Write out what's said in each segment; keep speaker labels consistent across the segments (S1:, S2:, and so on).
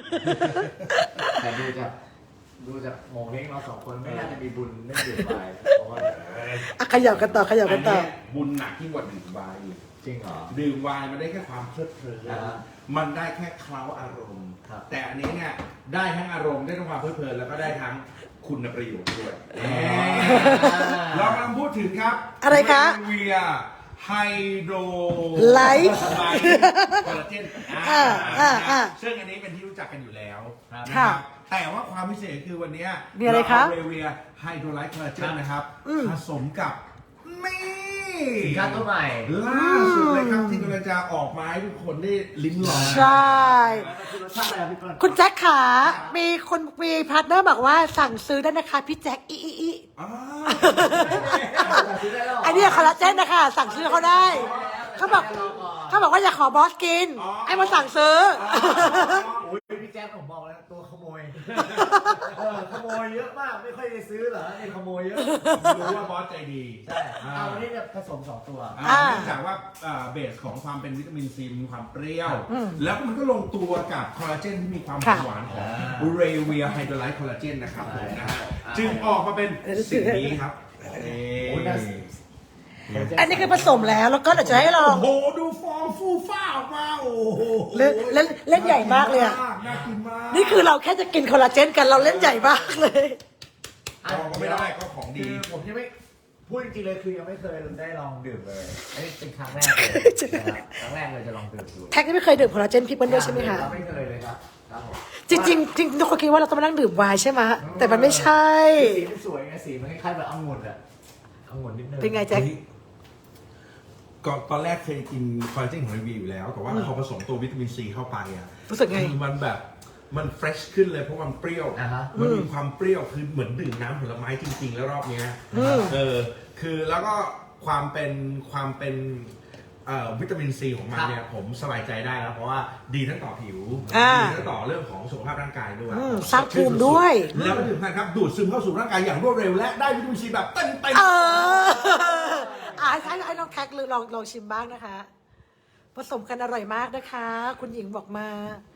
S1: แต่ดูจากโมเห้งเราสองคนไม่น่าจะมีบุญไม่ดื่มไวน์เพราะว่า
S2: ขยับกันต่อขยับกันต่อ
S3: อับุญหนักยิ่งกว่าดื่มไวน์อีก
S1: จริงเหรอ
S3: ดื่มไวน์มันได้แค่ความเพลิดเพลิน
S1: อ่า
S3: มันได้แค่เคล้าอารมณ์
S1: ครับ
S3: แต่อันนี้เนี่ยได้ทั้งอารมณ์ได้ทั้งความเพลิดเพลินแล้วก็ได้ทั้งคุณประโยชน์ด้วยเรากำลังพูดถึงครับ
S2: อะไรคะ
S3: เวียไฮโดร
S2: ไลท์
S3: คอลลาเจน ซึ่งอันนี้เป็นที่รู้จักกันอยู่แล้วนะค
S2: ค่ะ
S3: รับแต่ว่าความพิเศษคือวันนี้
S2: มีอะไรคะ
S3: เาเาเวียไฮโดรไลท์คอลลาเจนนะครับ
S2: อืม
S3: ผสมกับนี่
S1: สินค้าตัวใหม่
S3: ล่าสุดเลยครับที่กำลังจะออกมาให้ทุกคนได้ลิ้มลอง
S2: ใช่
S1: คือรสชาติอะไรพี่ก้อน
S2: คุณแจ็คขามีพาร์ทเนอร์บอกว่าสั่งซื้อได้นะคะพี่แจ็คอี
S3: อ้าว
S1: ซื้อได้แล้วเหร
S2: ไอเนี่ยคอลลาเจนนะคะสั่งซื้อเขาได้เขาบอกว่าอยากขอบอสกินไอ้มาสั่งซื้อ
S1: โอ้ยพี่แจ๊คผมบอกแล้วตัวขโมยขโมยเยอะมากไม่ค่อยได้ซื้อเหรอนี่ขโมยเยอะ
S3: รู้ว่าบอสใจดี
S1: ใช่เอาวันนี้เนี่ยผสม2ตัว
S3: เนื่องจากว่าเบสของความเป็นวิตามินซีมีความเปรี้ยว แล้วมันก็ลงตัวกับคอลลาเจนที่มีความ
S2: ค่ะ
S3: หวานของเรเวียไฮโดรไลท์คอลลาเจนนะครับผมนะฮะจึงออกมาเป็นสิ่งนี้ครับ
S1: โอ้ยน่า
S2: อันนี้คือผสมแล้วก็เดี๋ยวจะให้ลอง
S3: โอ้โหดูฟองฟูฟ้าออกมาโอ้โห
S2: เล่นใหญ่มากเลยอะ
S3: น่ากินมาก
S2: นี่คือเราแค่จะกินคอลลาเจนกันเราเล่นใหญ่มากเลย
S3: ลองก็ไม่ได้ก็ของ
S1: คื
S3: ดี
S1: อผมยังไม่พูดจริงๆเลยคือยังไม่เคยได้ลองดื่มเลยอันนี้เป็นครั้งแรกเลยนะครับครั้งแรกเลยจะลองดื่มดู
S2: แท็กนี่ไม่เคยดื่มคอลลาเจนพี่เปิ้ลด้วยใช่ไหมคะ
S1: ไม่เคยเลยครับครับผม
S2: จริงๆทุกคนคิดว่าเราต้องมานั่งดื่มไวน์ใช่ไหมแต่มันไม่ใช่
S1: สีมันสวยไงสีมันคล้ายๆแบบองุ่นอะองุ่นนิดนึง
S2: เป็นไงแจ็ค
S3: ก่อนตอนแรกเคยกินคอลลาเจนของรีวิวอยู่แล้ว แต่ว่าพอผสมตัววิตามินซีเข้าไปอ่ะ
S2: รู้สึกไง
S3: คือมันแบบมันเฟรชขึ้นเลยเพราะมันเปรี้ยว มันมีความเปรี้ยวคือเหมือนดื่มน้ำผลไม้จริง ๆ แล้วรอบเนี้ยคือแล้วก็ความเป็นวิตามินซีของมันเนี่ยผมสบายใจได้แล้วเพราะว่าดีทั้งต่อผิว ดีทั้งต่อเรื่องของสุขภาพร่างกายด้วย
S2: สร้างภูมิด้วย
S3: แล้วก็ที่สำคัญครับดูดซึมเข้าสู่ร่างกายอย่างรวดเร็วและได้วิตามินซีแบบเต็ม
S2: เออให้น้องแท็กลองชิมบ้างนะคะ ผสมกันอร่อยมากนะคะ คุณหญิงบอกมา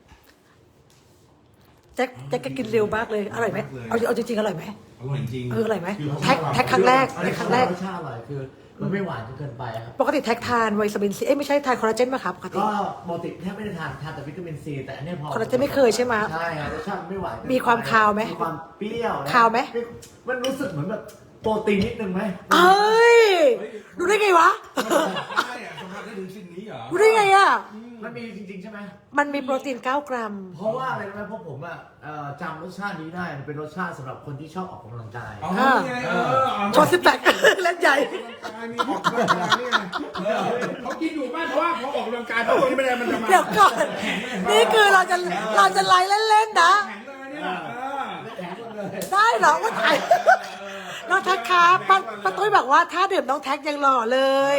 S2: แจ็คก็กินเร็วมากเลยอร่อยไหมเอาจริงๆอร่อยไหม
S3: อร่อยจริง
S2: อร่อยไหมแท็กครั้งแรก
S1: อันนี้ครั้งแรกรสชาติอร่อยคือมันไม่หวานจนเกินไปครับ
S2: ปกติแท็กทานวิตามินซีไม่ใช่ทานคอลลาเจนไหมครับปกติ
S1: ก็ปกติแทบไม่ได้ทานแต่วิตามินซีแต่อันนี้พอ
S2: คอลลาเจนไม่เคยใช่ไหม
S1: ใช่ครับรสชาติไม่หวาน
S2: มีความคาวไหม
S1: มีความเปรี้ยวนะ
S2: คาวไหม
S1: มันรู้สึกเหมือนแบบโปรตีนนิดนึงไหม
S2: เอ้ยรู้ได้ไงวะ
S3: ได้อะสัมผัสได้ถึงสิ่งนี้เหรอ
S2: รู้ได้ไงอ่ะ
S1: มันมีจริงๆใช่ไหม
S2: มันมีโปรตีน 9 กรัม
S1: เพราะว่าอะไรรู้ไหมเพราะผมอะจำรสชาตินี้ได้มันเป็นรสชาติสำหรับคนที่ชอบออกกำลังกาย
S3: อ๋อนี่ไง
S2: โชว์18เล่นใหญ่
S3: มีออกกำลังกายนี่ไงเขากินอยู่บ้านเพราะว่าพอออกกำลังกายพวกนี้ไม่ได้มันจะมา
S2: เดี๋ยวก่อน นี่คือเราจะไลฟ์เล่นๆนะ
S3: แข็งเลยเนี่ย
S1: แข็งหมดเลย
S2: ได้เหรอว่าถ่ายน้องแท็กครับป้าตุ้ยบอกว่าถ้าดื่มน้องแท็กยังหล่อเลย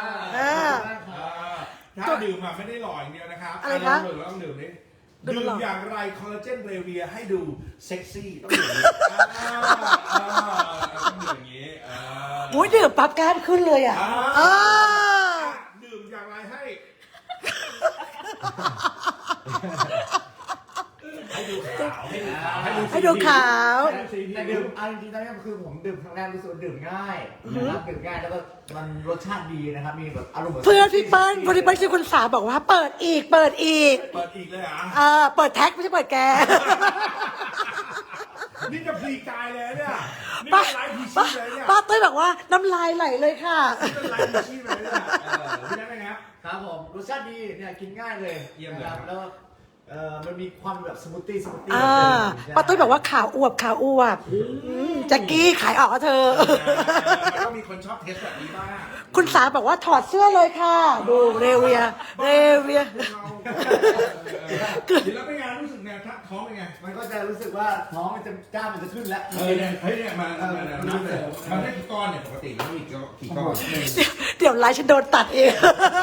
S3: ถ้าดื่มอะไม่ได้หล่ออย่างเดียวนะครับ
S2: อะไรคะ
S3: เราต้องดื่มนี่
S2: ดื่
S3: ดื่
S2: ม
S3: ม
S2: หล่อ
S3: อย่างไรคอลลาเจนเรเวียให้ดูเซ็กซี่ต้องดื่มต้องดื่มอย่างนี้
S2: อุ้ยดื่มปั๊บแก้มขึ้นเลยอ่ะเออ
S3: ดื่มอย่างไรให้
S2: ให้ดูขาว
S1: แต่ดื่มเอาจริงๆตอนนี้คือผมดื่มครั้งแรกรู้สึกว่าดื่มง่ายนะครับดื่มง่ายแล้วก็มันรสชาติดีนะครับมีแบบอารมณ์หมื
S2: เพื่อนพี่เปิ้ลคนที่เปิ้ลชื่อคุณสาบอกว่าเปิดอีก
S3: เปิดอีกเลยเหรอ
S2: เปิดแท็กไม่ใช่เปิดแก
S3: นี่จะพลีกายเลยเนี่ยนี่
S2: ป้า
S3: เป็นไลฟ์พีชี
S2: ป้า
S3: พเลยเนี่ย
S2: ป้าตุ้ยบอกว่าน้ำลายไหลเลยค่ะ
S3: นี่เป็นไลฟ์พีชีพเลยเนี่ยพี่ได้ไหมครับ
S1: ครับผมรสชาติดีเนี่ยกินง่ายเลย
S3: เยี่ยมเลย
S1: นะครับแล้วมันมีความแบบสมูทตี้
S2: ป้าตุ้ยบอกว่าข่าวอวบแจ็คกี้ขายออกอะเธอ
S3: มันต้องมีคนชอบเทสแบบนี้บ้าง
S2: คุณสาบอกว่าถอดเสื้อเลยค่ะ ดูเรเวีย
S3: แล้วเป็นไงรู้สึกไงท้องเป็นไง
S1: มันก็จะรู้สึกว่าท้องมันจะกล้ามมันจะขึ้นแล้ว
S3: เนี่ยมานับเลยมันได้กี่ก้อนเนี่ยปกติแล้วมีกี่ก้อน
S2: เดี๋ยวไลฟ์ฉันโดนตัดเอง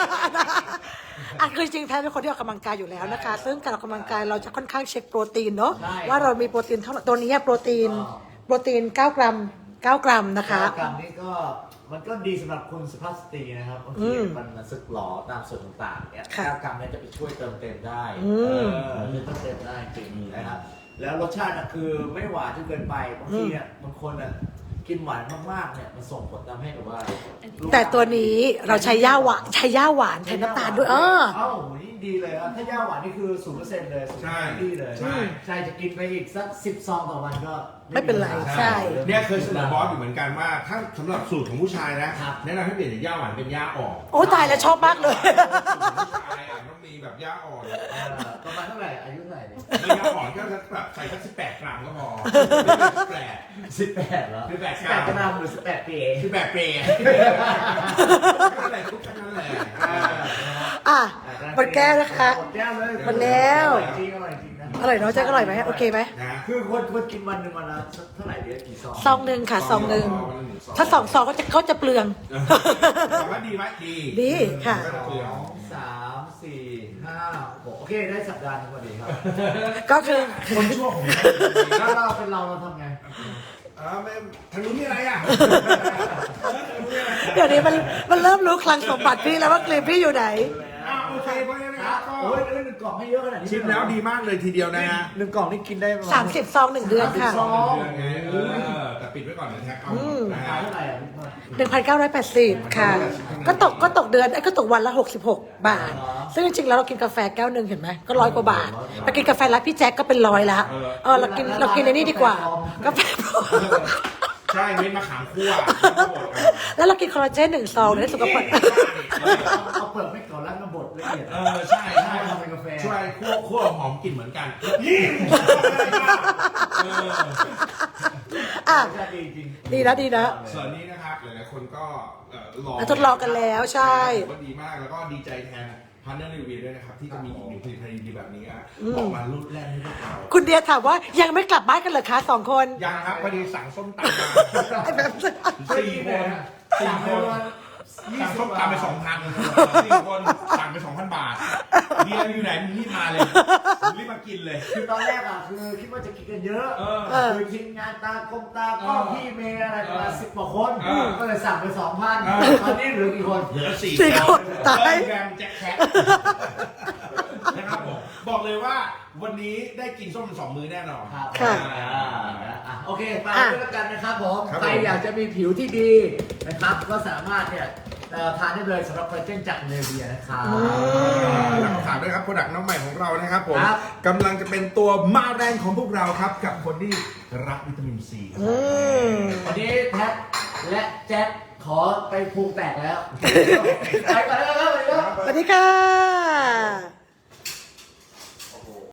S2: คือจริงๆแท้เป็นคนที่ออกกำลังกายอยู่แล้วนะคะ ซึ่งการออกกำลังกายเราจะค่อนข้างเช็คโปรตีนเนาะว่าเรามีโปรตีนเท่าไหร่ตัวนี้โปรตีน 9 กรัม 9 กรัมนะคะ
S1: 9 กรัมนี่ก็มันก็ดีสำหรับคุณสุภาพสตรีนะครับบางทีมันสึกหรอตามส่วนต่างๆเนี่ย
S2: ค่ะ
S1: 9 กรัมเนี่ยจะไปช่วยเติมเต็มได้
S2: อืม
S1: เติมเต็มได้จริงนะครับแล้วรสชาติน่ะคือไม่หวานจนเกินไปบางทีเนี่ยบางคนอ่ะกินหวานมากๆเนี่ยมันส่งผลทำให้แบบว่า
S2: แต่ตัวนี้เราใช้ย่าหวานแทนน้ำตาลด้วย
S1: เอ้ายิ่งดีเลยอ่ะถ้าย่าหวานนี่คือ 0% เลย0%ดีเลย ใช่จะกินไปอีกสัก10 ซองต่อวันก็
S2: ไม่เป็นไรใช่
S3: เนี่ยเคยเสนอบอสอยู่เหมือนกันว่าถ้าสำหรับสูตรของผู้ชายนะแนะนำให้เปลี่ยนจากย่าหวานเป็นย่าอ่อน
S2: โอ้ตายแล้วชอบมากเลย
S3: สูตรของผู้ชายอ่ะต้องมีแบบย่าอ่อน
S1: ประมาณเท่าไหร่อายุเท่าไหร่เนี่ย
S3: ไม่ย่าอ่อนก็แบบใส่สัก18 กรัมก็พอ
S1: 18เหรอ18กรัมหรือ18 ปี
S3: 18 เปรย์ก็อะไรทุกทั้งนั้นแหละ
S2: อ่ะหมดแก้วนะคะ
S1: หมดแก้วเลย
S2: หมดแล้ว
S1: อร่อยจริงนะ
S2: อร่อยเนาะแจ๊คอร่อยไหมโอเคไหม
S3: นะ
S1: คือคนกินวันหนึ่งวันละเท่าไหร่เดี๋ยวกี่ซอง
S2: ซองหนึ่งค่ะซองหนึ่งถ้า2 ซองเขาจะเปลือง
S3: ถามว่าดีไหมดี
S2: ดีค่ะ
S1: 2 3 4 5 6โอเคได้สัปดาห์นึงพอดีครับ
S2: ก็คือ
S3: คนชั่วของ
S1: แล้วเราเป็นเราทำไง
S3: ไม่ทางนู้นมีอะไรอ่ะ
S2: เดี๋ยวนี้มันเริ่มรู้คลังสมบัติพี่แล้วว่ากลีบพี่อยู่ไหน
S3: โอเคเพราะงั้นนะครับก็
S1: โอ้ย1 กล่องให้เยอะขนาดนี้
S3: ชิมแล้วดีมากเลยทีเดียวนะฮะ
S1: 1 กล่องนี่กินได้ประมาณ
S2: 30 ซอง 1 เดือนค่ะ
S1: 30 ซอง
S3: แต่ปิดไว้ก่อนนะแท็กเอา
S1: รา
S3: นะ
S1: คา
S3: ฮะ
S1: เท่าไหร่อ่ะ
S2: 1,980 ค่ะ ก็ตกเดือนก็ตกวันละ 66 บาท ซึ่งจริงๆแล้วเรากินกาแฟแก้วหนึ่งเห็นไหมก็100 กว่าบาทไปกินกาแฟร้านพี่แจ็คก็เป็น100ละเรากินในนี่ดีกว่ากาแฟ
S3: ใช่เม็ดมะขามคั่ว
S2: แล้วเรากินคอลลาเจน1 ซองได้สุขภาพ
S1: เอาเปลือกไม่ก่อนแล้วมาบดละเอียด
S3: ใช่ใช่
S1: ทำเป็นกาแฟ
S3: ช่วยคั่วหอมกลิ่นเหมือนกัน
S2: อ่ะ
S1: รสชาติดีจริง
S2: ดีนะ
S3: ส่วนนี้นะครับหลายๆคนก็
S2: ทดลองกันแล้วใช่
S3: ก็ดีมากแล้วก็ดีใจแทนพาร์ทเนอร์รีวิวด้วยนะครับที่จะมีอีกหนึ่งผลิตภัณฑ์ดีๆแบบนี้ออกมารุ่นแรกให้พวกเรา
S2: คุณเดียถามว่ายังไม่กลับบ้านกันเหรอคะ2 คน
S3: ยังครับพอดีสั่งส้มตำมา
S2: ไอ้แบบ
S3: 4 คนสั่งส้มตำไป 2,000 4 คนสั่งไป 2,000 บาทเดียอยู่ไหนมึงรีบมาเลยรีบมากินเลย
S1: คือตอนแรกอ่ะคือคิดว่าจะกินกันเยอะคือทีมงานตากลมตาก็พี่เมย์อะไรประมาณ10 กว่าคนก็เลยสั่งไป 2,000 ตอนนี้เหลือกี่คน
S3: เหลือ
S2: 4 คนตาย
S3: แกมแจ็คแคทนะครับผมบอกเลยว่าวันนี้ได้กินส้ม2 มื้อแน่นอน
S1: ครับ
S2: ค่ะ
S1: โอเคไปด้วยแล้วกันนะครับผมใครอยากจะมีผิวที่ดีนะครับก็สามารถเนี่ยทานได้เลยสำหรับคอลลาเจนจากเนเวียนะครับ
S3: แล้วก็ฝากด้วยครับโปรดักต์น้องใหม่ของเรานะครับผม
S1: ครับ
S3: กำลังจะเป็นตัวมาแรงของพวกเราครับ กับคนที่รักวิตามินซีครับ
S1: วันนี้แท็บและแจ็คขอไปพุงแตกแล้ว ไปก่อนแล้วครับ
S2: สวัสดีค่ะ